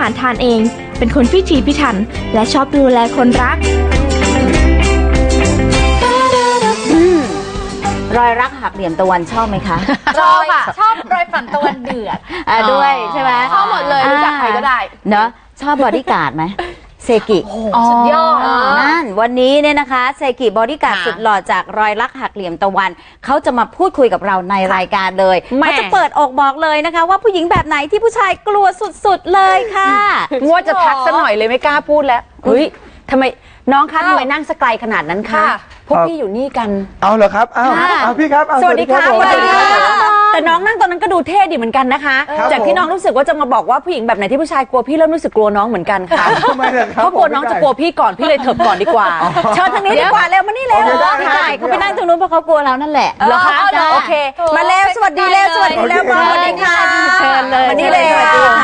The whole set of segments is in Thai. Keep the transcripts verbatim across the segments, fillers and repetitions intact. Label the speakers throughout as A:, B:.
A: ารทานเองเป็นคนพิถีพิถันและชอบดูแลคนรัก
B: รอยรักหักเหลี่ยมตะวันชอบไหมคะ
C: ชอบค่ะชอบรอยฝันตะวันเดือด
B: ด้วยใช่ไหม
C: ชอบหมดเลยรู้จักใครก็ได้
B: เนาะชอบบอดี้การ์ดไหมเซกิ
C: สุดยอด
B: นั่นวันนี้เนี่ยนะคะเซกิบอดี้การ์ดสุดหล่อจากรอยรักหักเหลี่ยมตะวันเขาจะมาพูดคุยกับเราในรายการเลยเขาจะเปิดอกบอกเลยนะคะว่าผู้หญิงแบบไหนที่ผู้ชายกลัวสุดๆเลยค่ะ
D: ว่าจะทักซะหน่อยเลยไม่กล้าพูดแล้วเฮ้ยทำไมน้องคะทำไมนั่งสไกลขนาดนั้นคะพวกพี่อยู่นี่กัน
E: เอาเหรอครับเอาเอาพี่ครับ
D: สวัสดีค่ะสวัสดีค่ะแต่น้องนั่งตอนนั้นก็ดูเท่ดีเหมือนกันนะคะจากที่น้องรู้สึกว่าจะมาบอกว่าผู้หญิงแบบไหนที่ผู้ชายกลัวพี่เริ่มรู้สึกกลัวน้องเหมือนกันค่ะเพราะกลัวน้องจะกลัวพี่ก่อนพี่เลยเถิบก่อนดีกว่าเชิญทางนี้ดีกว่าเร็วมานี่เร็ว
B: ใช่เขาไปนั่งตรงนู้นเพราะเขากลัวเรานั่นแหละ
D: เหรอคะโอเคมาเร็วสวัสดีเร็วสวัสดีแล้วสวัสดีค่ะ
B: เชิญเลย
D: มานี่เลย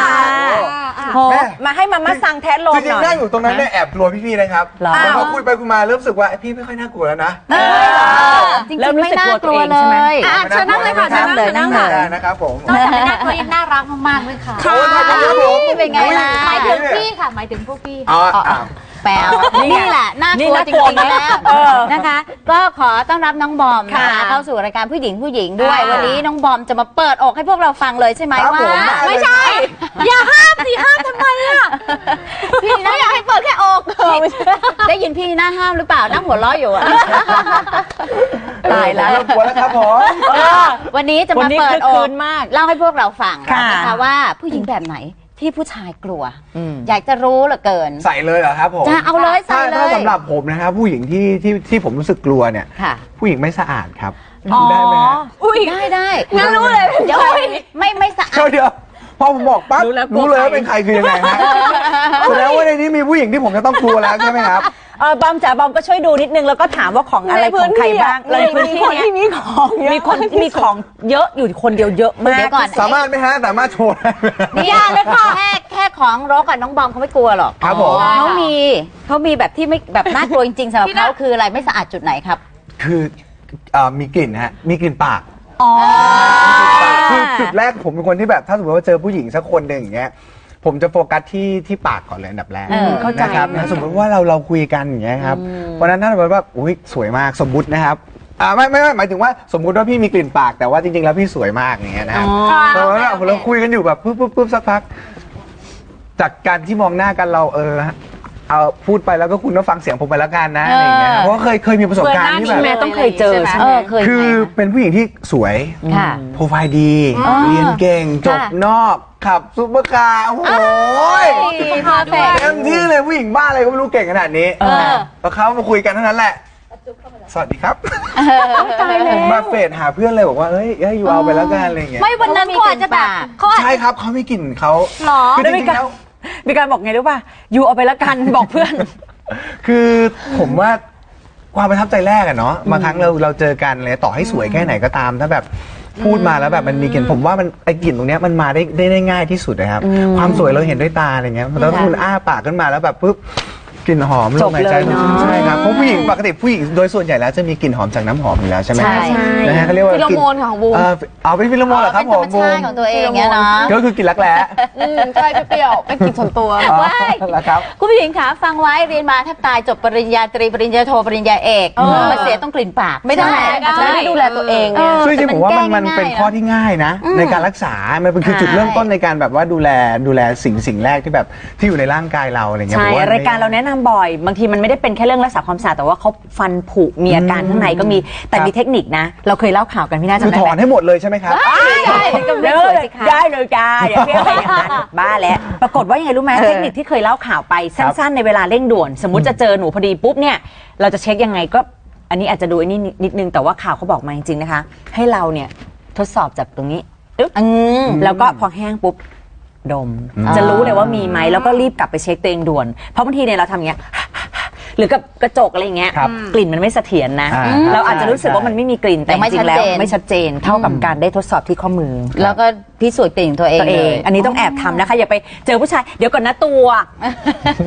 D: มาให้มาม่าสั่งแทนลมหน่อย
E: จริงๆนั่งอยู่ตรงนั้นเนี่ยแอบกลัวพี่ๆนะครับแต่พอคุยไปคุยมาเริ่มรู้สึกว่าพี่ไม่ค่อยน่ากลัวแล้วนะ
B: จริงๆไม่น่ากลัวเลย
C: เชิญนั่งเลยค่ะ
B: นั่งเลยนั่งเลย
E: นะครับผม
C: นอกจากน่ากลัวยังน่ารักมากๆเลยค่ะ
E: ค่ะ
B: เป็นไงล่ะ
C: หมายถึงพี่ค่ะหมายถึงพวกพี่
E: อ๋อ
B: แปลนี่แหละน่ากลัวจริงๆแล้วนะคะก็ขอต้อนรับน้องบอมนะคะเข้าสู่รายการผู้หญิงผู้หญิงด้วยวันนี้น้องบอมจะมาเปิดอกให้พวกเราฟังเลยใช่ไหมว่า
C: ไม่ใช่อย่าห้ามสิห้ามทำไมอ่ะพี่ไม่อยากให้เปิดแค่อก
B: ได้ยินพี่หน้าห้ามหรือเปล่านั่งหัวเราะอยู่อะ
E: ตายแล้วกลัวแล้วครับผม
B: วันนี้จะมาเปิดอกเล่าให้พวกเราฟังนะคะว่าผู้หญิงแบบไหนที่ผู้ชายกลัวอยากจะรู้เหลือเกิน
E: ใส่เลยเหรอครับผม
B: จะเอาเลยใส่เลย
E: ถ้าสำหรับผมนะครับผู้หญิงที่ที่ที่ผมรู้สึกกลัวเนี่ยผู้หญิงไม่สะอาดครับได้ไหม
B: ได้ได้
C: งั้นรู้เลย
B: เดี๋ยวไม่ไม่สะอาด
E: เดี๋ยวพอผมบอกปั๊บรู้เลยว่าเป็นใครคือยังไงฮะแสดงว่าในนี้มีผู้หญิงที่ผมจะต้องกลัวแล้วใช่ไหมครับ
D: เออบอมจ๋าบอมก็ช่วยดูนิดนึงแล้วก็ถามว่าของอะไรของใครบ้างในพื้นที่นี้มีของมีคนมีของเยอะอยู่คนเดียวเยอะมาก
E: สามารถไหมฮะสามารถโชว์
B: นี่ยากเลยค่ะแค่แค่ของรกกับน้องบอมเขาไม่กลัวหรอก
E: ครับผม
B: เขามีเขามีแบบที่ไม่แบบน่ากลัวจริงๆสำหรับเขาคืออะไรไม่สะอาดจุดไหนครับ
E: คือมีกลิ่นฮะมีกลิ่นปากคือจุดแรกผมเป็นคนที่แบบถ้าสมมติว่าเจอผู้หญิงสักคนหนึ่งอย่างเงี้ยผมจะโฟกัสที่ที่ปากก่อนเลยอันดับแรกนะครับสมมติว่าเราเราคุยกันอย่างเงี้ยครับเพราะนั้นถ้าสมมติว่าอุ้ยสวยมากสมมุตินะครับอ่าไม่ไม่ไม่หมายถึงว่าสมมุติว่าพี่มีกลิ่นปากแต่ว่าจริงๆแล้วพี่สวยมากอย่างเงี้ยนะครับเพราะว่าเราคุยกันอยู่แบบปุ๊บปุ๊บปุ๊บสักพักจากการที่มองหน้ากันเราเออเอาพูดไปแล้วก็คุณก็ฟังเสียงผมไปแล้วกันนะอะไรอย่างเงี้ยเพราะเคยเคยมีประสบการณ์ที่แบบ
D: แม่ต้องเคยเจอใช่ไหม
E: คือเป็นผู้หญิงที่สวยโปรไฟล์ดีเรียนเก่งจบนอกขับซุปเปอร์คาร์โอ้โหเต็มที่เลยผู้หญิงบ้าอะไรก็ไม่รู้เก่งขนาดนี้พอเขามาคุยกันเท่านั้นแหละสวัสดีครับมาเฟดหาเพื่อนเลยบอกว่าเฮ้ยอยู่เอาไปแล้วกันอะไรอย่างเงี้ย
C: ไม่วันนั้นเขาอาจจะแบบ
E: ใช่ครับเขาไม่กลิ่นเขา
C: หรอ
E: คือจริงๆแล้ว
D: มีการบอกไงรู้ป่ะอยู่เอาไปแล้วกันบอกเพื่อน
E: คือผมว่าความประทับใจแรกอะเนาะบางครั้งเราเราเจอกันเลยต่อให้สวยแค่ไหนก็ตามถ้าแบบพูดมาแล้วแบบมันมีกลิ่นผมว่ามันไอกลิ่นตรงนี้มันมาได้ได้ง่ายที่สุดนะครับความสวยเราเห็นด้วยตาอะไรเงี้ยแล้วคุณอ้าปากขึ้นมาแล้วแบบปุ๊บกลิ่นหอมลมหายใจใช่ครับเพราะผู้หญิงปกติผู้หญิงโดยส่วนใหญ่แล้วจะมีกลิ่นหอมจากน้ำหอมอยู่แล้วใช่ไหมนะฮะเขาเรียกว่า
C: ฟิโลโมนของบูม
E: เอาเป็นฟิโลโมนเหรอครับผม
B: บูมของตัวเองเนี่ยเนาะ
E: ก็คือกลิ่นรักแร้
C: ใช่เปรี้ยวเป็นกลิ่นส่วนตัว
B: ว้ายคุณผู้หญิงคะฟังไว้เรียนมาแทบตายจบปริญญาตรีปริญญาโทปริญญาเอกมาเสียต้องกลิ่นปาก
C: ไม่ได้
D: จะไม่ดูแลตัวเอง
E: ซึ่งจริงผมว่ามันมันเป็นข้อที่ง่ายนะในการรักษามันเป็นคือจุดเริ่มต้นในการแบบว่าดูแลดูแลสิ่งสิ่งแรกที่แบบที่อยู่ในร่างกายเราอะไรเงี้ย
D: ใช่รายการเราแนะนำบ่อยบางทีมันไม่ได้เป็นแค่เรื่องรักษาความสะอาดแต่ว่าเขาฟันผุมีอาการข้างในก็มีแต่มีเทคนิคนะเราเคยเล่าข่าวกันพี่น่าจะ
E: ถอนให้หมดเลยใช่ไหมครับ
B: ได้เลย
D: ได้เลยจ้าอย่าเรียกอะไรอย่างนั้นบ้าแล้วปรากฏว่ายังไงรู้ไหมเทคนิคที่เคยเล่าข่าวไปสั้นๆในเวลาเร่งด่วนสมมุติจะเจอหนูพอดีปุ๊บเนี่ยเราจะเช็คยังไงก็อันนี้อาจจะดูอันนี้นิดนึงแต่ว่าข่าวเขาบอกมาจริงๆนะคะให้เราเนี่ยทดสอบจากตรงนี้แล้วก็พอแห้งปุ๊บดมจะรู้เลยว่ามีไหมแล้วก็รีบกลับไปเช็คตัวเองด่วนเพราะบางทีเนี่ยเราทำอย่างเงี้ยหรือกับกระจกอะไรอย่างเงี้ยกลิ่นมันไม่เสถียรนะเราอาจจะรู้สึกว่ามันไม่มีกลิ่นแต่จริงๆแล้วไม่ชัดเจนเท่ากับการได้ทดสอบที่ข้อมือ
B: แล้วก็พิสูจน์กลิ่นตัวเอง
D: อันนี้ต้องแอบทำนะคะอย่าไปเจอผู้ชายเดี๋ยวก่อนนะตัว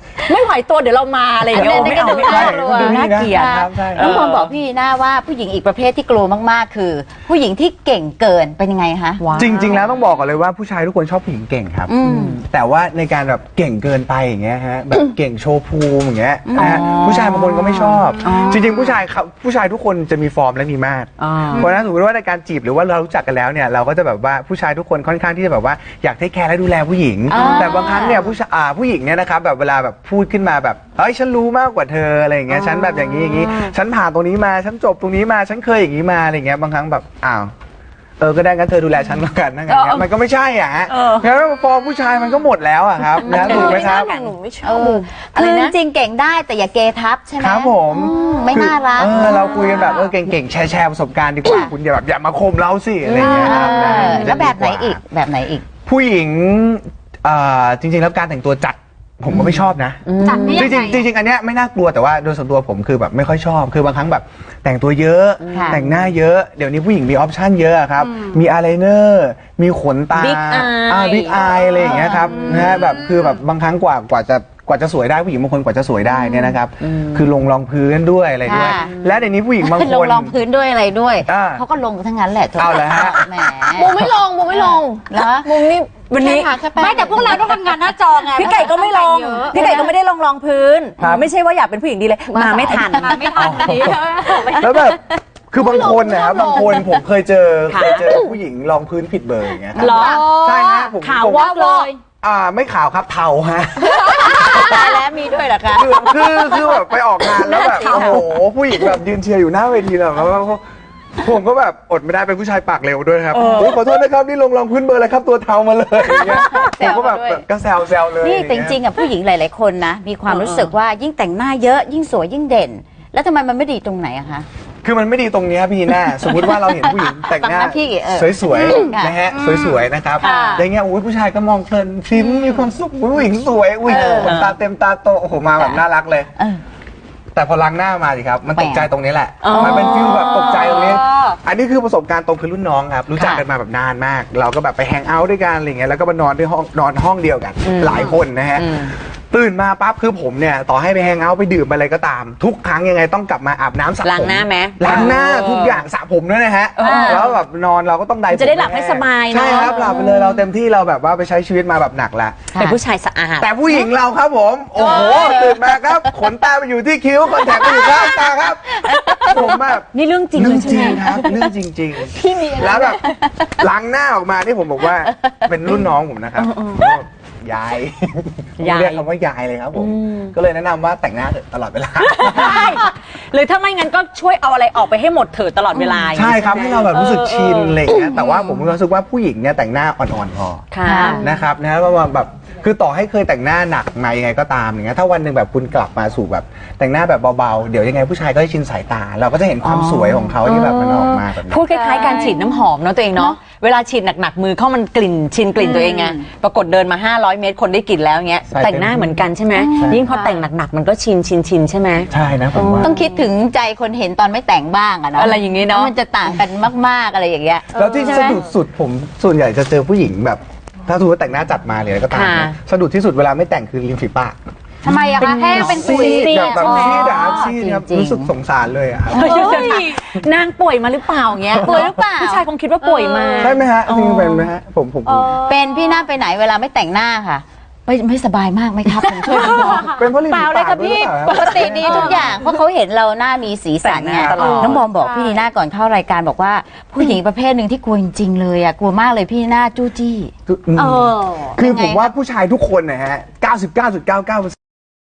D: ไม่ไหวตัวเดี๋ยวเรามาอะไรอย่างเงี้ย
B: อันนี้
D: ไม่เอา
B: ก็
D: ไม่เอา
B: ดูน่ากลัว
D: ดูน่าเกลียด
E: ครับใช่
B: น้องพรบอกพี่หน้าว่าผู้หญิงอีกประเภทที่กลัวมากๆ คือ ผู้หญิงที่เก่งเกินเป็นยังไงคะ
E: จริง ๆ แล้วต้องบอกก่อนเลยว่าผู้ชายทุกคนชอบผู้หญิงเก่งครับ
B: อืม
E: แต่ว่าในการแบบเก่งเกินไปอย่างเงี้ยฮะแบบเก่งโชว์ภูมิอย่างเงี้ยนะฮะผู้ชายบางคนก็ไม่ชอบ จริง ๆ ผู้ชายครับผู้ชายทุกคนจะมีฟอร์มและมีมาตร
D: อ่า
E: เพราะฉะนั้นสมมติว่าในการจีบหรือว่าเรารู้จักกันแล้วเนี่ยเราก็จะแบบว่าผู้ชายทุกคนค่อนข้างที่จะแบบว่าอยากเทคแคร์และดูแลผู้หญิง
B: อ่า
E: แต่บางครั้งเนี่ยผู้ชายอ่าผู้หญิงเนี่ยนะครับแบบเวลาแบบพูดขึ้นมาแบบเฮ้ยฉันรู้มากกว่าเธออะไรอย่างเงี้ยฉันแบบอย่างนี้อย่างนี้ฉันผ่านตรงนี้มาฉันจบตรงนี้มาฉันเคยอย่างนี้มาอะไรอย่างเงี้ยบางครั้งแบบอ้าวเออก็ได้งั้นเธอดูแลฉันแล้วกันนะงั้นเนี่ยมันก็ไม่ใช่อ่ะฮะงั้นฟอร์มผู้ชายมันก็หมดแล้วอ่ะครับนะถูกไหมครับ
C: หนูไม่ช
B: เอ
C: อบ
B: อคือจริงๆเก่งได้แต่อย่าเกทับใช่ไหม
E: ครับผม
B: อืมไม่น่ารัก
E: เออเราคุยกันแบบเออเก่งๆแชร์แชร์ประสบการณ์ดีกว่าคุณอย่าแบบอย่ามาคมเราสิอะไรอย่างเงี้ยครับ
B: เอ
E: นะ
B: อแล้วแบบไหนอีกแบบไหนอีก
E: ผู้หญิงเอ่อจริงๆแล้วการแต่งตัวจัดผมก็ไม่ชอบนะ
C: จัดได้
E: จ
C: ยัง
E: ริ
C: ไง
E: งๆจริงๆอันเนี้ยไม่น่ากลัวแต่ว่าโดยส่วนตัวผมคือแบบไม่ค่อยชอบคือบางครั้งแบบแต่งตัวเยอะ
B: ค่ะ
E: แต่งหน้าเยอะเดี๋ยวนี้ผู้หญิงมีออปชั่นเยอะครับมีอายไลเนอร์มีขนตา
D: Big eye
E: บิ๊กอายอะไรอย่างเงี้ยครับนะฮะแบบคือแบบบางครั้งกว่ากว่าจะกว่าจะสวยได้ผู้หญิงบางคนกว่าจะสวยได้เนี่ยนะครับคือลงรองพื้นด้วยอะไรด้วย
B: ค่ะ
E: และเดี๋ยวนี้ผู้หญิงบาง
B: ล
E: ค
B: ง
E: น
B: รองพื้นด้วยอะไรด้วย
E: อ่า
B: เขาก็ลงทั้งนั้นแหละ
E: เอาเหรอฮะ
B: แหม
C: มุมไม่ลงมุมไม่ลง
B: เหรอ
C: มุมนี่
D: วันนี้
C: แค่ทาแค่แป้ง
B: ไม่แต่พวกเราต้องทำงานหน้าจอไง
D: พี่ไก่ก็ไม่ลง
C: เยอะ
D: พี่ไก่ก็ไม่ได้ลงรองพื้น
E: ครับ
D: ไม่ใช่ว่าอยากเป็นผู้หญิงดีเลย มาไม่ทัน
C: มาไม่ทันดี
E: แล้วแบบคือบางคนนะครับ
C: ไม่ลง
E: บางคนผมเคยเจอ
D: ค่ะ
E: เคยเจอผู้หญิงรองพื้นผิดเบอร์อย่างเงี้ยครับ
D: เหรอ
E: ใช่ฮะผม
D: ขาว
E: ผม
D: วอกเลย
E: อ่าไม่ขาวครับเทาฮะ
B: ตายแล้วมีด้วยเหรอคะ
E: คือคือคือแบบไปออกงานแล้วแบบโอ้โหผู้หญิงแบบยืนเชียร์อยู่หน้าเวทีแล้วแล้วก็ผมก็แบบอดไม่ได้เป็นผู้ชายปากเร็วด้วยครับโอ้ยขอโทษนะครับนี่ลงรองพื้นเบอร์อะไรครับตัวเทามาเลยอย่างเงี้ยผมก็แบบก็แซวแซวเลย
B: นี่แต่จริงๆอ่ะผู้หญิงหลาย ๆ คนนะ มีความรู้สึกว่ายิ่งแต่งหน้าเยอะยิ่งสวยยิ่งเด่น แล้วทำไมมันไม่ดีตรงไหนอะคะ
E: คือมันไม่ดีตรงเนี้ยพี่หน้า สมมุติว่าเราเห็นผู้หญิงแต่งหน้า
B: ตามหน้าที่เออ
E: สวย
B: ค่ะ
E: ๆนะฮะสวยๆนะครับ
B: ค่ะ
E: อย่างเงี้ยโอ้ยผู้ชายก็มองเพลินฟิล์มมีความสุขอุ๊ยผู้หญิงสวยอุ้ย
B: เออ
E: ขนตาเต็มตาโตโอ้โหมาแบบน่ารักเลย
B: เออ
E: แต่พอล้างหน้ามาสิครับ มันตกใจตรงนี้แหละ
D: อ๋อ
E: มันเป็นฟิลแบบตกใจตรงนี้ อันนี้คือประสบการณ์ตรงคือรุ่นน้องครับ รู้จักกันมาแบบนานมาก เราก็แบบไปแฮงเอาท์ด้วยกันอะไรเงี้ย แล้วก็มานอนด้วยห้องนอนห้องเดียวกัน หลายคนนะฮะ ตื่นมาปั๊บคือผมเนี่ยต่อให้ไปแฮงเอาท์ไปดื่มไปอะไรก็ตาม ทุกครั้งยังไงต้องกลับมาอาบน้ำสระผม
D: ล้างหน้าไหม
E: ล้างหน้าทุกอย่างสระผมด้วยนะฮะ แล้วแบบนอนเราก็ต้องได
D: จะได้หลับให้สบายเนอะ
E: ใช่ครับหลับไปเลยเราเต็มที่เราแบบว่าไปใช้ชีวิตมาแบบหนักละ
D: เป็นผู้ชายสะอาด
E: แต่ผู้หญิงเราครับผม โอ้โหตื่นมาครับขนตาไปอยู่ที่คิ้วคอนแทคไปอยู่ข้างตาครับ ผมแบบ
D: นี่เรื่องจริง
E: เรื่
D: เล
E: อง
D: ยใช่
E: จริ
D: ไห
E: ง
D: ม
E: ครับเรื่องจริงๆแล้วแบบล้างหน้าออกมานี่ผมบอกว่าเป็นรุ่นน้องผมนะครับก็ยาย
D: ยาย
E: เรียกคำว่ายายเลยครับผมก็เลยแนะนำว่าแต่งหน้าเถอะตลอดเวลา
D: ใช่หรือถ้าไม่งั้นก็ช่วยเอาอะไรออกไปให้หมดเถิดตลอดเวลา
E: ใช่ครับให้เราแบบรู้สึกชินอะไรอย่างเงี้ยแต่ว่าผมรู้สึกว่าผู้หญิงเนี่ยแต่งหน้าอ่อนๆพอ
D: ค่ะ
E: นะครับนะว่าแบบคือต่อให้เคยแต่งหน้าหนักมายังไงก็ตามอย่างเงี้ยถ้าวันหนึ่งแบบคุณกลับมาสู่แบบแต่งหน้าแบบเบาๆเดี๋ยวยังไงผู้ชายก็จะชินสายตา เราก็จะเห็นความสวยของเขาที่แบบมันออกมาแบบนี้
D: พูดคล้ายๆการฉีดน้ำหอมเนาะตัวเองเนาะเวลาฉีดหนักๆมือเข้ามันกลิ่นชินกลิ่นตัวเองไงปรากฏเดินมาห้าร้อยเมตรคนได้กลิ่นแล้วเงี้ย
E: ใช่
D: แต่งหน้าเหมือนกันใช่ไหมยิ่งพอแต่งหนักๆมันก็ชินชินชินใช่ไหม
E: ใช่นะผมว่า
B: ต้องคิดถึงใจคนเห็นตอนไม่แต่งบ้างอะเนาะ
D: อะไรอย่างงี้เนอะ
B: มันจะต่างกันมากๆอะไรอย่างเงี้ย
E: แล้วที่
B: ใช่
E: สะ
B: ไหม
E: ดุดสุดผมส่วนใหญ่จะเจอผู้หญิงแบบ ถ้าสมมติว่าแต่งหน้าจัดมาเลยก็ตาม
D: ค่ะ
E: นะสะดุดที่สุดเวลาไม่แต่งคือริมฝีปาก
C: ทำไมอะคะแห้งเป็น
E: ซี
C: ปุ๋ย
E: ดแบบแบบ
C: ใช่ไหม
E: ซีดอะครับซีดครับ
B: จริงๆ
E: รู้สึกสงสารเลยอะครับ
D: เฮ้ยนางป่วยมาหรือเปล่าเงี้ย
B: ป่วยหรือเปล่า
D: ผู้ชายคงคิดว่าป่วยมา
E: ใช่ไหมฮะจริงๆเป็นไหมฮะผมผมผม
B: เป็นพี่หน้าไปไหนเวลาไม่แต่งหน้าค่ะ ไม่ไม่สบายมากไหมครับผมช่วยคุณบอก
E: เป็นเพราะริม
B: เปล่า
E: ฝี
B: เลย
E: ปาก
B: ค่ะ
E: ด้วย
B: พี่
E: หรือเปล่าครับ
B: ปกติดีทุกอย่างเพราะเขาเห็นเราหน้ามีสีสันไง
D: แต่งหน้าตลอด
B: น้องบอมบอกพี่นีน่าก่อนเข้ารายการบอกว่าผู้หญิงประเภทหนึ่งที่กลัวจริงๆเลยอ่ะกลัวมากเลยพี่นีน่าจู้จี้
E: อืม
C: เออ
E: คือผมว่าผู้ชายทุกคนนะฮะ เก้าสิบเก้าจุดเก้าเก้าเปอร์เซ็นต์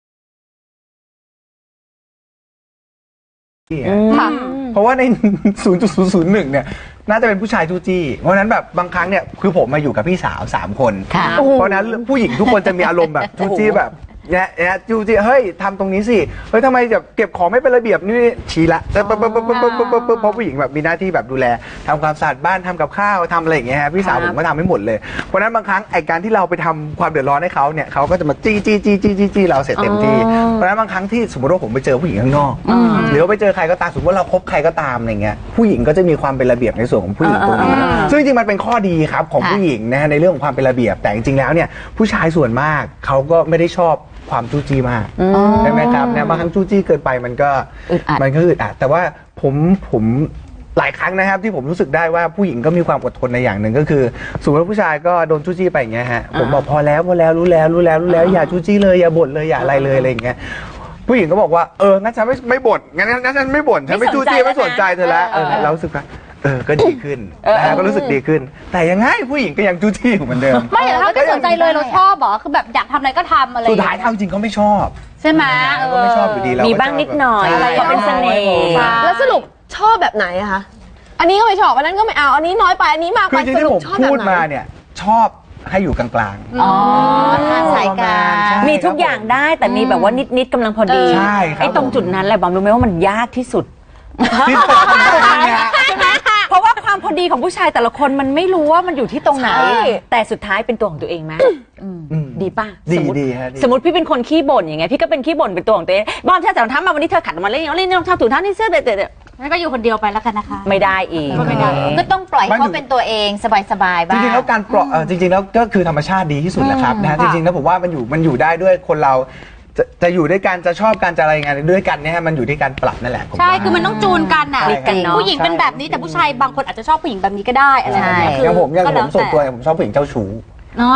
C: ค่ะ
E: เพราะว่าใน ศูนย์จุดศูนย์ศูนย์หนึ่ง เนี่ย น่าจะเป็นผู้ชายจู้จี้ เพราะฉะนั้นแบบบางครั้งเนี่ย คือผมมาอยู่กับพี่สาวสามคน
B: ค่ะ
E: เพราะฉะนั้นผู้หญิงทุกคนจะมีอารมณ์แบบจู้จี้แบบเนี่ยเนี่ยจู้จี้ เฮ้ยทำตรงนี้สิ เฮ้ยทำไมแบบเก็บของไม่เป็นระเบียบนี่ชี้ละแต่ปุ๊บปุ๊บปุ๊บปุ๊บปุ๊บปุ๊บปุ๊บเพราะผู้หญิงแบบมีหน้าที่แบบดูแลทำความสะอาดบ้านทำกับข้าวทำอะไรอย่างเงี้ยฮะพี่สาวผมก็ทำให้หมดเลย เพราะฉะนั้นบางครั้งไอการที่เราไปทำความเดือดร้อนให้เขาเนี่ยเขาก็จะมาจี้จี้จี้จี้จี้จี้เราเสร็จเต็มที่ เพราะฉะนั้นบางครั้งที่สมมติว่าผมไปเจอผู้หญิงข้างนอก หรือว่าไปเจอใครก็ตามสมมติว่าเราคบใครก็ตามอะไรเงี้ยผู้หญิงก็จะมีความเป็นระเบียบในส่วนของผู้หญิงตรงนี้ซึ่งจริงๆมันเป็นข้อดีครับของ
B: ค่ะ
E: ผู้หญิงนะฮะในเรื่องของความเป็นระเบียบแต่จริงๆแล้วเนี่ยผู้ชายส่วนมากเขาก็ไม่ได้ชอบความจู้จี้มากใช่ไหมครับนะบางครั้งจู้จี้เกินไปมันก็
B: อึดอัด
E: มันก็อึดอัดแต่ว่าผมผมหลายครั้งนะครับที่ผมรู้สึกได้ว่าผู้หญิงก็มีความอดทนในอย่างหนึ่งก็คือสมมติว่าผู้ชายก็โดนจู้จี้ไปอย่างเงี้ยฮะผมบอกพอแล้วพอแล้วรู้แล้วรู้แล้วรู้แล้วอย่าจู้จี้เลยอย่าบ่นเลยอย่าอะไรเลยอะไรอย่างเงี้ยผู้หญิงก็บอกว่าเอองั้นฉันไม่ไม่บ่นงั้นงั้นฉันไม่บ่นฉันไม่จู้จี้ไม่สนใจเธอแล้วเออเรารู้สึกว่าเออก็ดีขึ้นนะฮะก็รู้สึกดีขึ้น แต่ยังไงผู้หญิงก็ยังจู้จี้อยู่เหมือนเดิม
C: ไม่แต่ถ้าไม่สนใจเลยเราชอบเหรอคือแบบอยากทำอะไรก็ทำอะไร
E: สุดท้ายทำจริงเขาไม่ชอบ
C: ใช่ไหมเอ
E: ก็
C: อ
E: ไม่ชอบอยู่ดีเรา
B: มี
E: มี
B: บ้างนิดหน่อยอะไรเป็นเสน่ห์
F: แล้วสรุปชอบแบบไหนอะคะ อันนี้ก็ไม่ชอบ อันนั้นก็ไม่เอา อันนี้น้อยไป อันนี้มาก
E: คื
F: ไป
E: อจริง
F: ส
E: ที่
F: รุ
E: ผ
F: ป
E: ม
F: ชอบแบ
E: พู
F: บ
E: ด
F: ไหน
E: มาเนี่ยชอบให้อยู่กลางๆ
B: อ๋อสายกลาง
E: ใช่
B: มีทุกอย่างได้แต่มีแบบว่านิดๆกำลังพอดี
E: ใช่ครับ
B: ไอ้ตรงจุดนั้นแหละบอมรู้ไหมว่ามันยากที่สุด
E: ที่สุดเนี่ย
B: เพราะว่าความพอดีของผู้ชายแต่ละคนมันไม่รู้ว่ามันอยู่ที่ตรงไหน
F: ใช่
B: แต่สุดท้ายเป็นตัวของตัวเองไหม
E: อืม
B: ดีป่ะ
E: ดี
B: สมมติ
E: ดีฮะดี
B: สมมติพี่เป็นคนขี้บ่นอย่างเงี้ยพี่ก็เป็นขี้บ่นเป็นตัวของตัวเองบอมใช่แต่รองเท้ามาวันนี้เธอขัดออกมาเล่นเล่นรองเท้าถุงเท้านี่เสื้อเด็ด
C: งั้นก็อยู่คนเดียวไปแล้วกันนะคะ
B: ๆไม่ได้อีก
C: ไม่ได้
B: ก็ต้องปล่อยให้เขาเป็นตัวเองสบายๆ
E: จ
B: บ้าง
E: ริงๆแล้วการปล่อยเอ่อจริงๆแล้วก็คือธรรมชาติดีที่สุดแหละครับนะฮะจริงๆแล้วผมว่ามันอยู่มันอยู่ได้ด้วยคนเราจะจะอยู่ด้วยกันจะชอบกันจะอะไรงานด้วยกันเนี่ยฮะมันอยู่ที่การปรับนั่นแหละผม
C: ใช่
E: ว่า
C: คือมันต้องจูนกันน่ะ
E: ใช่ครับ
C: ผู้หญิงเป็นแบบนี้แต่ผู้ชายบางคนอาจจะชอบผู้หญิงแบบนี้ก็ได้อะไรแบบนี้
B: ใช่
C: คือ
E: อย่างผมอย่าง
C: ก็
E: ผ
C: แล้
E: มส่วนตัว
C: แต่
E: เนี่ยผมชอบผู้หญิงเจ้าชู้
C: อ๋อ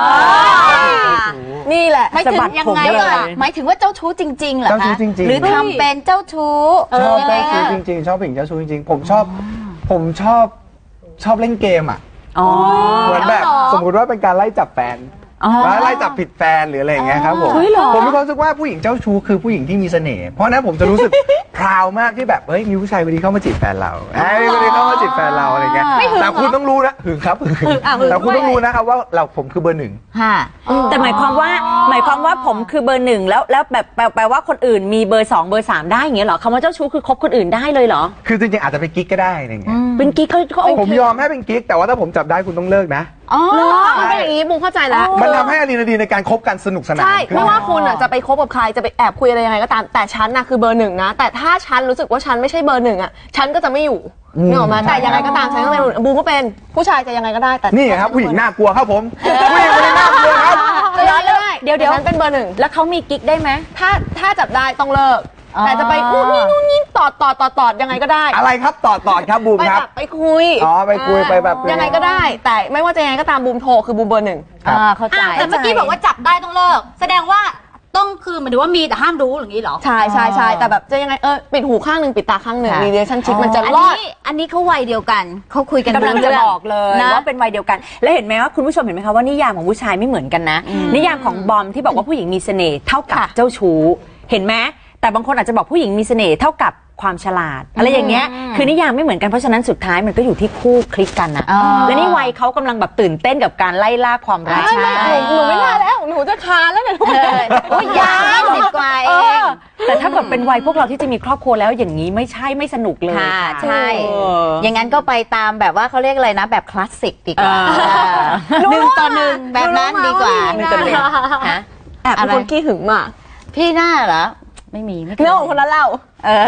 F: นี่แหละ
B: ไม่ถึงยังไงล่ะ
G: หมายถึงว่าเจ้าชู้จริงๆเหรอ
E: เจ้าชู้
G: คะ
E: จริงๆ
G: หรือทำเป็นเจ้าชู้
E: ชอบ
G: ยังไง
E: เจ้าชู้
G: คะ
E: จริงๆชอบผู้หญิงเจ้าชู้จริงๆผมชอบผมชอบชอบเล่นเกมอ่ะ
B: อ๋อ
E: เหมือนแบบสมมุติว่าเป็นการไล่จับแฟน
B: อ๋อ
E: แล้วไล่จับผิดแฟนหรืออะไรอย่างเงี้ยครับผม
B: เฮ้ยเหรอ
E: ผมมีความรู้สึกว่าผู้หญิงเจ้าชู้คือผู้หญิงที่มีเสน่ห์เพราะฉะนั้นผมจะรู้สึก พราวมากที่แบบเฮ้ยมีผู้ชายคนนี้เข้ามาจีบแฟนเราเอ้ยมีคนนี้เข้ามาจีบแฟนเราอะไรเงี้ยแต่คุณต้องรู้นะหึงครับหึงแต่คุณต้องรู้นะครับว่าเราผมคือเบอร์หนึ่ง
G: ค่ะ
B: แต่หมายความว่าหมายความว่าผมคือเบอร์หนึ่งแล้วแล้วแบบแปลแปลว่าคนอื่นมีเบอร์สองเบอร์สามได้อย่างเงี้ยเหรอคำว่าเจ้าชู้คือคบคนอื่นได้เลยเหรอ
E: คือจริงๆอาจจะเป็นกิ๊กก็ได้อะไรเงี้ย
B: เป็นกิ๊กเขาเขาโอ
E: ผม
B: เค
E: ยอมให้เป็นกิ๊กแต่ว่าถ้าผมจับได้คุณต้องเลิกนะ
F: อ๋อมันเป็นอย่างนี้บุ้งเข้าใจแล้ว
E: มันทำให้อะดรีนาลีนในการคบกันสนุกสนาน
F: ใช่
E: ขึ้น
F: ไม่ว่าคุณอ่ะจะไปคบกับใครจะไปแอบคุยอะไรยังไงก็ตามแต่ฉันน่ะคือเบอร์หนึ่งนะ แต่ถ้าฉันรู้สึกว่าฉันไม่ใช่เบอร์หนึ่งอ่ะฉันก็จะไม่อยู่นึกออกมาแต่ยังไงก็ตามฉันก็เป็นบูมก็เป็นผู้ชายจะยังไงก็ได้แต่
E: นี่ครับผู้หญิงน่ากลัวครับผมผู้หญิงคนนี้น่ากลัวครับ
F: จะย้อนก็ได้
B: เดี๋ยวเดี๋ยว
F: แต่ฉันเป็นเบอร์หนึ่ง
B: แล้วเขามีกิ๊กได้ไหม
F: ถ้าถ้าจับได้ต้องเลิกแต่จะไปนู่นนี่นู่นนี่ตอดตอดตอดตอดยังไงก็ได้
E: อะไรครับต่อต่อครับบูม
F: ไป
E: ครับ
F: แบบไปคุย
E: อ๋อไปคุยไปแบบ
F: ยังไงก็ได้ แต่ไม่ว่าจะยังไงก็ตามบูมโทรคือบูมเบอร์หนึ่ง
B: อ่าเข้าใจ
C: อ่ะแต่เมื่อกี้บอกว่าจับได้ต้องเลิก แสดงว่าต้องคือหมายถึงว่ามีแต่ห้ามรู้อย่างนี้เหรอ
F: ใช่ใช่ใช่แต่แบบจะยังไงเออปิดหูข้างหนึ่งปิดตาข้างหนึ่ง
B: ค่ะ
F: รีเลชั่นชิพมันจะ
G: อัน
F: รอด
G: นี้อันนี้เขาวัยเดียวกันเขาคุยกัน
B: กำลังจะ
G: รู้เรื่
B: บอกเลย
G: นะ
B: ว่าเป็นวัยเดียวกัน แล้วเห็นไหมว่าคุณผู้ชมเห็นไหมคะว่านิยามของผู้ชายไม่เหมือนกันนะ นิยามของบอมที่บอกว่าผู้หญิงมีเสน่ห์เท่ากับเจ้าชู้เห็นไหมแต่บางคนอาจจะบอกผู้หญิงมีเสน่ห์เท่ากับความฉลาด อะไรอย่างเงี้ยคือนิยามไม่เหมือนกันเพราะฉะนั้นสุดท้ายมันก็อยู่ที่คู่คลิกกันนะและนี่วัยเขากำลังแบบตื่นเต้นกับการไล่ล่าความรัก
F: ไม่ไม่หนูหนูไม่ได้แล้ว หนูจะคานแล้วเนี่ย
G: โอ้ยยาวสิบกว่าเอง
B: แต่ถ้าเกิดเป็นวัยพวกเราที่จะมีครอบครัวแล้วอย่างนี้ไม่ใช่ไม่สนุกเลย
G: ค่ะ
B: ค่ะ
G: ใช่
B: เออ
G: อย่างนั้นก็ไปตามแบบว่าเขาเรียกอะไรนะแบบคลาสสิกดีกว่าหนึ่งต่อหนึ่งแบบนั้นดีกว่า
B: หนึ่งต่อหนึ่ง
G: ฮะ
F: แอบเป็นคนขี้หึงมาก
G: พี่หน้าเหรอ ไม่มีไม่เคย
F: เรื่องของคนละเล่า
G: เออ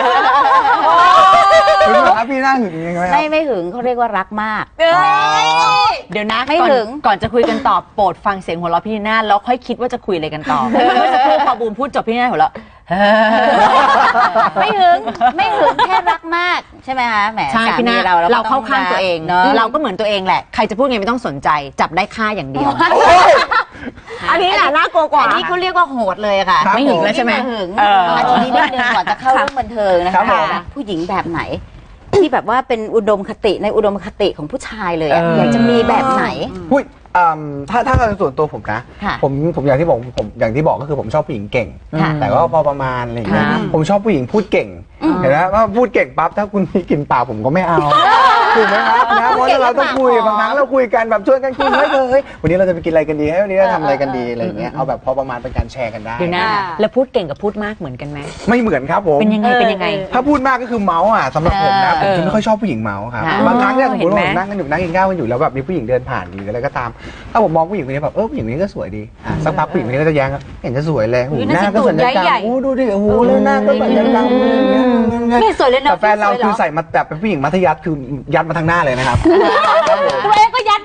E: คุณผู้ชมครับพี่น่าหึงยังไงไหมครั
G: ไม่
E: บ
G: ไม่หึงเขาเรียกว่ารักมาก
B: เดี๋ยวนะ
G: ไม่
B: ก่อน
G: ถึง
B: ก่อนจะคุยกันต่อโปรดฟังเสียงหัวเราะพี่นีน่าแล้วค่อยคิดว่าจะคุยอะไรกันต่อเมื่อสักครู่พอบูมพูดจบพี่นีน่าหัวเราะ
G: ไม่หึงไม่หึงแค่รักมากใช่ไหมคะแหม
B: ใช่
G: สา
B: พี่
G: มี
B: นา
G: เรา
B: เราเข้าข้างตัวเอง
G: เนาะ
B: เราก็เหมือนตัวเองแหละใครจะพูดไงไม่ต้องสนใจจับได้ค่าอย่างเดียว
F: อันนี้แหละน่ากลัวกว่า
G: อันนี้เขาเรียกว่าโหดเลยค่ะ
E: ครับ
B: ไม่หึงแล้วใช่ไหม
G: หึง
B: เออ
G: อันนี้นิดนึงก่อนจะเข้าเรื่องบันเทิงนะ
E: ครั
G: คะ
E: บผม
G: ผู้หญิงแบบไหน ที่แบบว่าเป็นอุดมคติในอุดมคติของผู้ชายเลยอะ
B: เออ
G: อ
B: อ
G: ยากจะมีแบบไหน
E: พูดอืมถ้าถ้าในส่วนตัวผมนะ
G: ค่ะ
E: ผมผมอย่างที่บอกผมอย่างที่บอกก็คือผมชอบผู้หญิงเก่ง
G: ค่ะ
E: แต่ก็พอประมาณอะไรอย่างเงี้ย
B: ค่ะ
E: ผมชอบผู้หญิงพูดเก่งเห็นไหมว่าพูดเก่งปั๊บถ้าคุณมีกลิ่นปากผมก็ไม่เอาถูกไหมครับนะเพราะเราต้องคุยบางครั้งเราคุยกันแบบชวนกันคุยเฮ้ยเฮ้ยวันนี้เราจะไปกินอะไรกันดีให้วันนี้เราทำอะไรกันดีอะไรอย่างเงี้ยเอาแบบพอประมาณเป็นการแชร์กันได้
B: เดี๋ยวนะแล้วพูดเก่งกับพูดมากเหมือนกันไหม
E: ไม่เหมือนครับผม
B: เป็นยังไงเป็นยังไง
E: ถ้าพูดมากก็คือเมาส์อ่ะสำหรับผมนะผม
B: เออ
E: จะไม่ค่อยชอบผู้หญิงเมาส์ครับ
G: ค่ะ
E: บางครั้งเนี่ยสมมติว่า
B: เห็
E: ผ
B: นไหม
E: มนั่งกันอยู่นั่งกินข้าวกันอยู่แล้วแบบมีผู้หญิงเดินผ่านหรืออะไรก็ตามถ้าผมมองผู้หญิงคนนี้แบบเออผู้หญิงคนนี้ก็สวยดีอ่ะสักพักผู้หญิงคนนี้ก็จะแย้งเห็นจะสวยเลยหูหน้าก็สัญญกรรมอู้ดูดิโอ้โหเลยหน้าก็สัญญกรรม
C: ไม่สวยเลยนะ
E: แต่แฟนเรา
C: ไม่สวยหรอ
E: คือใส่มาแบบเป็นผู้หญิงมัธยัสถ์คือยัดมาทางหน้าเลยนะครับ
C: ตัวเองก็ยัดมาสเต็ป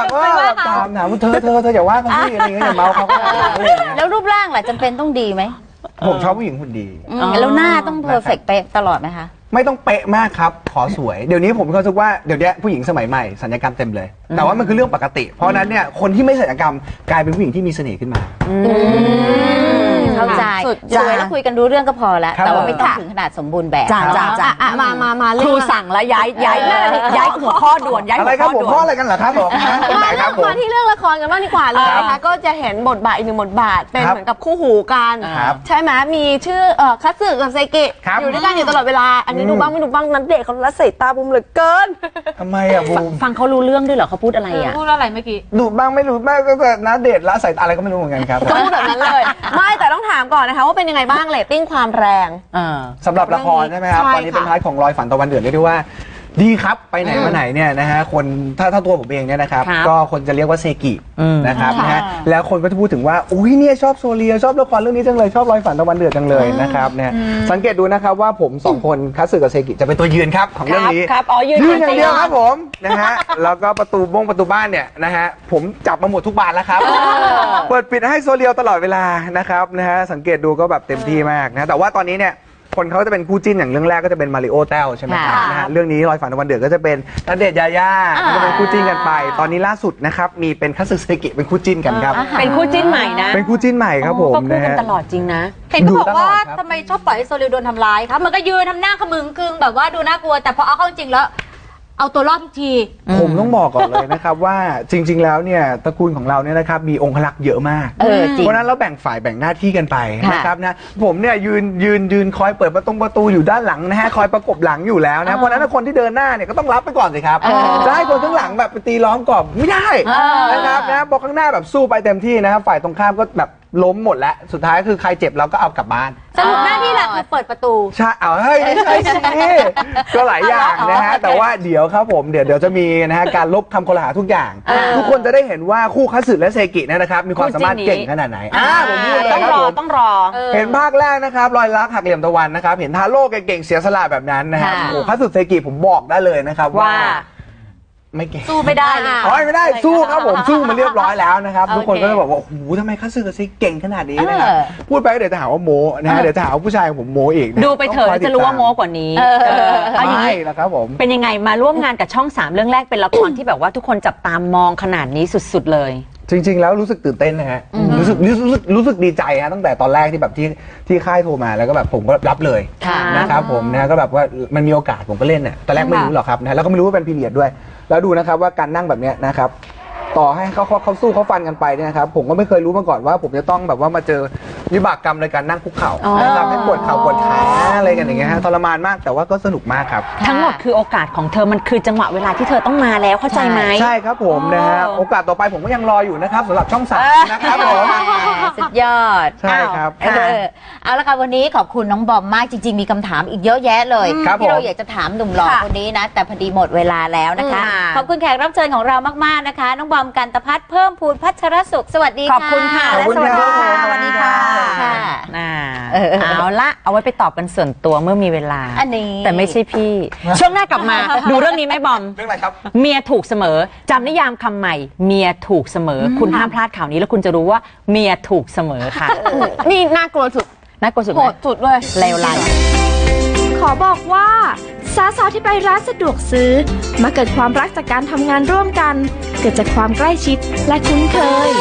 E: ก็แบบตามถามว่าเธอเธอเธออย่าว่าเขาสิอะไรอย่างเงี้ยอย่าเมาเขาก็ได้อะไรอย่างเงี้ย
B: แล้วรูปร่างล่ะจำเป็นต้องดีไหม
E: ผมชอบผู้หญิงหุ่นดี
B: อืมแล้วหน้าต้องเพอร์เฟกต์เป๊ะตลอดไหมคะ
E: ไม่ต้องเป๊ะมากครับ ขอสวย เดี๋ยวนี้ผมมีความรู้สึกว่าเดี๋ยวนี้ผู้หญิงสมัยใหม่สัญญกรรมเต็มเลย แต่ว่ามันคือเรื่องปกติ เพราะนั้นเนี่ยคนที่ไม่สัญญกรรมกลายเป็นผู้หญิงที่มีเสน่ห์ขึ้นมา
B: เข้าใจ
F: สุด
B: สวยแล้วคุยกันรู้เรื่องก็พอแล้ว
E: ครับ
B: แต่ว่าไม่ต้องถึงขนาดสมบูรณ์แบบ
D: จ้าจ้าจ้า
F: อ่ะมามามา
D: ค
F: เรื่
D: รู
F: อง
D: สั่งแล้วย้ายย้ายย้ายหัวข้อด่วนย้าย
E: อะ
D: หั
E: ไร
D: ว
E: ครั
D: ข้
E: บ
D: อ
E: ผม
D: ด่ว
E: พ่อน อะไรกันเหรอครับผมฮะตรงไหน
F: มา
E: ครับผม
F: มาที่เรื่องละครกันบ้างดีกว่าเลยนะคะก็จะเห็นบทบาทอีกหนึ่งบทบาทเป็น
E: ครับ
F: เหมือนกับคู่หูกัน
E: ครับ
F: ใช่ไหมมีชื่อเอ่อคัตสึกับเซกิ
E: ครับ
F: อยู่ด้วยกันอยู่ตลอดเวลา อันนี้ดูบ้างไม่ดูบ้างนั้นเด็กเขาละสายตาบุมเหลือเกิน
E: ทำไมอะบูม
D: ฟังเขารู้เรื่องด้วยเหรอเขาพูดอะไรอ่ะ
C: พูดอะไรเมื่อกี้
E: ดูบ้างไม่รู้บ้างก็แต่นะเดทละใส่อะไรก็ไม่รู้เหมือนกันครับ
F: ก็พูดแบบนั้นเลย ไม่แต่ต้องถามก่อนนะคะว่าเป็นยังไงบ้างเรตติ้งความแรง
E: สำหรับละครใช่ไหมครับ
F: ใช่
E: ตอนนี้เป็น
F: ค่ะ
E: ท้ายของรอยฝันตะวันเดือดเรียกได้ว่าดีครับไปไหนมาไหนเนี่ยนะฮะคนถ้าถ้าตัวผมเองเนี่ยนะครับ
D: ครับ
E: ก็คนจะเรียกว่าเซกิ
D: อืม
E: นะครับ
F: ค่ะ
E: นะฮะแล้วคนก็จะพูดถึงว่าอุ้ยเนี่ยชอบโซเลียชอบละครเรื่องนี้จังเลยชอบรอยฝันตะวันเดือดจังเลยนะครับเนี่ยสังเกตดูนะครับว่าผมสองคนคัตสึกับเซกิจะเป็นตัวยืนครับของเรื่องนี้
D: ครับอ๋อยืน
E: ยืนอย่างเดียวครับผมนะฮะแล้วก็ประตูบ้งประตูบ้านเนี่ยนะฮะผมจับมาหมดทุกบานแล้วครับเปิดปิดให้โซเลียตลอดเวลานะครับนะฮะสังเกตดูก็แบบเต็มที่มากนะแต่ว่าตอนนี้เนี่ยคนเขาจะเป็นคู่จิ้นอย่างเรื่องแรกก็จะเป็นมาริโอแต้วใช่ไหมครับ
B: ค่ะ
E: นะฮะเรื่องนี้รอยฝันตะวันเดือดก็จะเป็นณเดชน์ยาย่าก็จะเป็นคู่จิ้นกันไป ตอนนี้ล่าสุดนะครับมีเป็นคัตสึเซกิเป็นคู่จิ้นกันครับ
D: เป็นคู่จิ้นใหม่นะ
E: เป็นคู่จิ้นใหม่ครับผม
D: ก็คู่
E: นะ
D: กัน
E: ฮะ
D: ตลอดจริงนะ
C: เห็นเขาบอกว่า
E: ดูตลอดครับ
C: ทำไมชอบปล่อยให้โซลิวโดนทำร้ายครับมันก็ยืนทำหน้าขมึงกึงแบบว่าดูน่ากลัว แต่พอเอาเข้าจริงแล้ว เอาตัวรอดทุกที
E: ผมต้องบอกก่อนเลยนะครับว่าจริง ๆ แล้วเนี่ยตระกูลของเราเนี่ยนะครับมีองครักษ์เยอะมาก
B: เออจริง
E: เพราะฉะนั้นเราแบ่งฝ่ายแบ่งหน้าที่กันไป
B: ค่ะ
E: นะครับนะผมเนี่ยยืนยืนยืนคอยเปิดประตูประตูอยู่ด้านหลังนะฮะคอยประกบหลังอยู่แล้วนะเพราะฉะนั้นคนที่เดินหน้าเนี่ยก็ต้องรับไปก่อนสิครับจะให้คนข้างหลังแบบไปตีล้อมกรอบไม่ได้นะครับนะพอข้างหน้าแบบสู้ไปเต็มที่นะครับฝ่ายตรงข้ามก็แบบล้มหมดแล้วสุดท้ายคือใครเจ็บเราก็เอากลับบ้าน
C: สรุปหน้าที่หลักคือเปิดประตู
E: ใช่เอาเฮ้ยไม่ใช่สิก็หลายอย่างนะฮะแต่ว่าเดี๋ยวครับผมเดี๋ยวเดี๋ยวจะมีนะฮะการลบคำคลหาทุกอย่าง ทุกคนจะได้เห็นว่าคู่คัตสึและเซกิเนยนะครับมีความสามารถเก่งขนาดไหนอ่าผมพูดเลย
D: ต้อง
E: ครับ
D: รอ
E: ผม
D: ต้องรอ
E: เห็นภาคแรกนะครับรอยรักหักเหลี่ยมตะวันนะครับเห็นทาโร่เก่งๆเสียสละแบบนั้นนะครับ
B: ค่ะ
E: โอ้คัตสึเซกิผมบอกได้เลยนะครับว่า
D: ว่า
E: ไม่เก่ง
C: สู้ไม่ได้เลย
E: โอ้ยไม่ได้สู้ครับผมสู้มาเรียบร้อยแล้วนะครับ
C: โอเค
E: ทุกคนก็จะบอกว่าโอ้โหทำไมคัตสึกับเซกิเก่งขนาดนี้นะครับ
B: เออ
E: พูดไปก็เดี๋ยวจะหาว่าโมนะฮะเดี๋ยวจะหาว่าผู้ชายของผมโมอีกนะ
D: ดูไปเถอะแล้วจะรู้ว่าโม้กว่านี้
B: เออ
D: เออเอาอย่าง
E: ไม่
D: นี้
E: แล้วครับผม
D: เป็นยังไงมาร่วมงานกับช่องสามเรื่องแรกเป็นละครที่แบบว่าทุกคนจับตามองขนาดนี้สุดๆเลย
E: จริง ๆ แล้วรู้สึกตื่นเต้นนะฮะรู้สึกรู้สึกรู้สึกรู้สึกดีใจฮะตั้งแต่ตอนแรกที่แบบที่ที่ค่ายโทรมาแล้วก็แบบผมก็รับเลย
B: ค่ะ
E: นะครับผมนะก็แบบว่ามันมีโอกาสผมก็เล่นเนี่ยตอนแรกไม่รู้หรอกครับนะแล้วก็ไม่รู้ว่าเป็นพีเรียดด้วย แล้วดูนะครับว่าการนั่งแบบเนี้ยนะครับต่อให้เขาเขาเขาสู้เขาฟันกันไปเนี่ยนะครับผมก็ไม่เคยรู้มาก่อนว่าผมจะต้องแบบว่ามาเจอวิบากกรรมในการนั่งคุกเข่านะครับให้ปวดเข่าปวดขาอะไรกันอย่างเงี้ยฮะทรมานมากแต่ว่าก็สนุกมากครับ
D: ทั้งหมดคือโอกาสของเธอมันคือจังหวะเวลาที่เธอต้องมาแล้วเข้าใจไหม
E: ใช่ครับผมนะฮะโอกาสต่อไปผมก็ยังรออยู่นะครับสำหรับช่องสามนะครับผม
B: สุดยอด
E: ใช่ครับ
B: เออเอาละค่ะวันนี้ขอบคุณน้องบอมมากจริง ๆ มีคำถามอีกเยอะแยะเลย
E: ครับ
B: ที่เรา
E: ผม
B: อยากจะถามหนุ่มหล่อคนนี้นะ แต่พอดีหมดเวลาแล้วนะคะ
D: อืม
B: ขอบคุณแขกรับเชิญของเรามากๆนะคะ น้องบอมกันตพัฒน์เพิ่มพูนพัชรสุขสวัสดี
D: ขอบคุณค่ะ
E: ขอบคุณ
B: สวัสดีค่ะ
E: ครับ
B: สวัสดีค่ะ
D: ค่ะอ่า
B: เออ
D: เอาละเอาไว้ไปตอบกันส่วนตัวเมื่อมีเวลา
B: อันนี้
D: แต่ไม่ใช่พี่ ช่วงหน้ากลับมา ดูเรื่องนี้ไหมบอม
E: เรื่องอะไรครับ
D: เมียถูกเสมอจำนิยามคำใหม่ เมียถูกเสมอ คุณห้ามพลาดข่าวนี้แล้วคุณจะรู้ว่าเมียถูกเสมอค่ะ
F: นี่น่ากลัวสุด
D: น่ากลัวสุด
F: โห
D: ไหม
F: ดสุดเลย
D: เลวร้าย
A: ขอบอกว่าสาวๆที่ไปร้านสะดวกซื้อ มาเกิดความรักจากการทำงานร่วมกัน เกิดจากความใกล้ชิดและคุ้นเค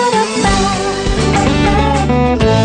A: ย